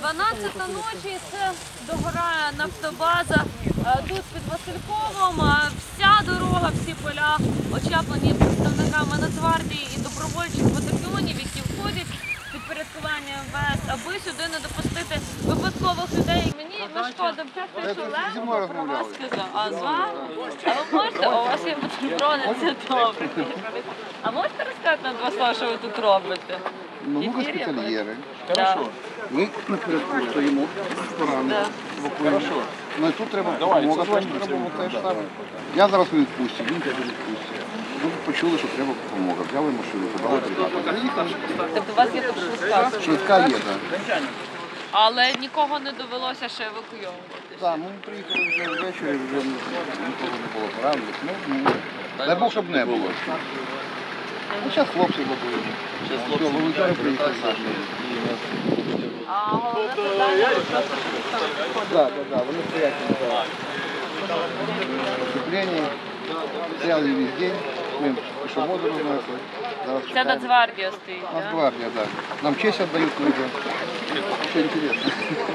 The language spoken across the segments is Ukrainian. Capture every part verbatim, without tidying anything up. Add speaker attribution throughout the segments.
Speaker 1: дванадцята ночі, це догорає нафтобаза. Тут під Васильковом вся дорога, всі поля очаплені представниками Нацгвардії і добровольчих батальйонів, які входять в підпорядкування ем ве ес, аби сюди не допустити випадкових людей. Мені не шкода, вчасно, що Олег про вас сказав. А з вами? А ви можете? У вас є бутерброди, це добре. А можете розказати на два слова, що ви тут робите?
Speaker 2: Ну, ми госпітальєри.
Speaker 1: Хорошо.
Speaker 2: Ми на порядку стоїмо, поранені, евакуємо. Ну і тут треба допомога, теж треба те ж саме. Я зараз у відпустці, він теж у відпустці. Ми почули, що треба допомога. Взяли машину, забрали бригаду. Приїхали.
Speaker 1: Тобто у вас є тут швидка?
Speaker 2: Швидка є, так.
Speaker 1: Але нікого не довелося ще евакуйовувати.
Speaker 2: Так, ми приїхали вже ввечері, вже нікого не було поранених. Ну, дай Бог, щоб не було. Ну, зараз хлопці робили. Все, волонтери приїхали наші.
Speaker 1: А головне питання просто, що ви там виходите.
Speaker 2: Так, так, так, вони стоять на вступленні, стояли весь день, ми пішоходи рознесли.
Speaker 1: Це Нацгвардія стоїть, так?
Speaker 2: Нацгвардія, так. Нам честь віддають люди. Що інтересно.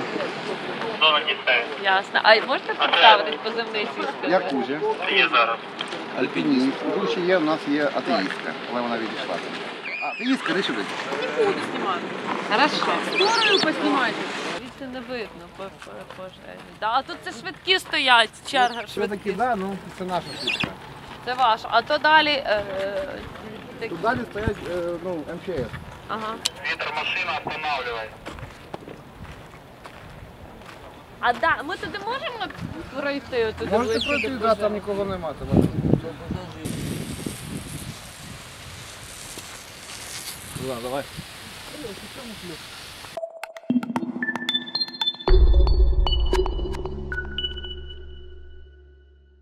Speaker 1: Ясно. А можете представитись позивний свій?
Speaker 2: Я Кузя.
Speaker 3: Є зараз.
Speaker 2: Альпініст. Тут ще є, у нас є атеїстка, але вона відійшла. Атеїстка, іди сюди.
Speaker 1: Не буду знімати. Хорошо. Скорою поснімайте. Звідси не видно по пожежі. Да, а тут це швидкі стоять, черга
Speaker 2: Все
Speaker 1: швидкі.
Speaker 2: таки, так, ну це наша швидка.
Speaker 1: Це ваше. А то далі... Е, такі-
Speaker 2: Тут далі стоять, е, ну, ем че ес.
Speaker 1: Ага.
Speaker 3: Вітер машина, останавливай.
Speaker 1: А да, ми туди можемо пройти? Туди
Speaker 2: Можете
Speaker 1: ближче
Speaker 2: пройти,
Speaker 1: до
Speaker 2: да, там
Speaker 1: пожежі?
Speaker 2: нікого немає. Там. Ладно, давай.